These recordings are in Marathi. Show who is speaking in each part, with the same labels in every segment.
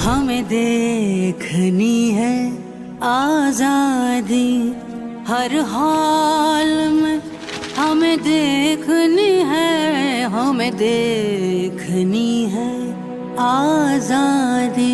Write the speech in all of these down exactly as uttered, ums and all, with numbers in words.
Speaker 1: हमें देखनी है आजादी, हर हाल में हमें देखनी है, हमें देखनी है आजादी।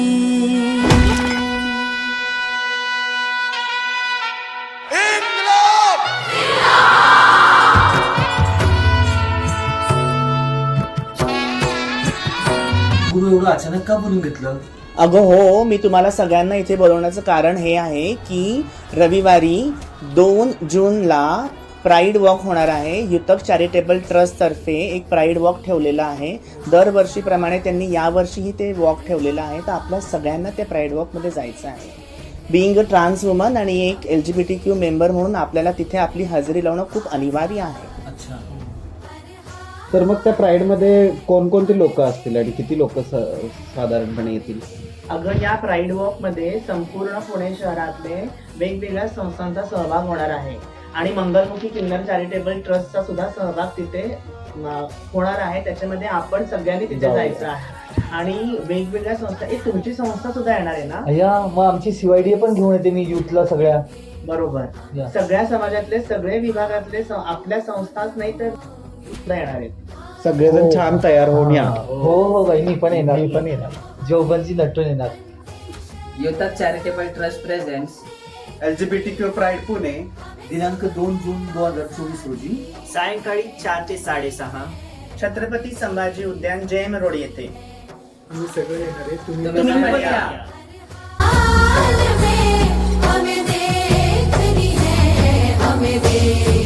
Speaker 2: गुरु एवढं अचानक का बोलून घेतलं?
Speaker 3: अगं हो, मी तुम्हाला सगळ्यांना इथे बोलवण्याचं कारण हे आहे की रविवारी दोन जूनला प्राईड वॉक होणार आहे. युतक चॅरिटेबल ट्रस्टतर्फे एक प्राईड वॉक ठेवलेला आहे. दरवर्षीप्रमाणे त्यांनी यावर्षीही ते वॉक ठेवलेलं आहे. तर आपल्या सगळ्यांना त्या प्राईड वॉकमध्ये जायचं आहे. बिईंग अ ट्रान्स वुमन आणि एक L G B T Q member म्हणून आपल्याला तिथे आपली हजेरी लावणं खूप अनिवार्य आहे.
Speaker 2: अच्छा,
Speaker 4: तर मग त्या प्राईडमध्ये कोणकोणती लोक असतील आणि किती लोक साधारणपणे येतील?
Speaker 3: अगं या प्राईड वॉकमध्ये संपूर्ण पुणे शहरातले वेगवेगळ्या संस्थांचा सहभाग होणार आहे आणि मंगलमुखी किन्नर चॅरिटेबल ट्रस्टचा सुद्धा सहभाग तिथे अं, होणार आहे. त्याच्यामध्ये आपण सगळ्यांनी तिथे
Speaker 4: जाऊया.
Speaker 3: जायचं आहे आणि वेगवेगळ्या संस्था, एक तुमची संस्था सुद्धा येणार आहे ना?
Speaker 5: अय्या, मग आमची सीवायडी पण घेऊन येते मी युथला सगळ्या.
Speaker 3: बरोबर,
Speaker 5: या.
Speaker 3: सगळ्या समाजातले सगळे विभागातले स- आपल्या संस्थाच नाही तर सुद्धा येणार आहेत.
Speaker 4: सगळेजण छान तयार होऊन या.
Speaker 5: हो हो बाई, मी पण येणार, मी पण येणार. जोबनची नटून येणार.
Speaker 6: Yutak charitable trust presents
Speaker 2: L G B T Q pride Pune दिनांक दोन जून दोन हजार चोवीस रोजी
Speaker 3: सायंकाळी चार ते साडेसहा छत्रपती संभाजी उद्यान जैन रोड येथे.
Speaker 6: तुम्ही
Speaker 3: तुम्ही
Speaker 6: पण
Speaker 3: पण
Speaker 6: या.
Speaker 3: या.
Speaker 1: हमें देखनी है, हमें देखनी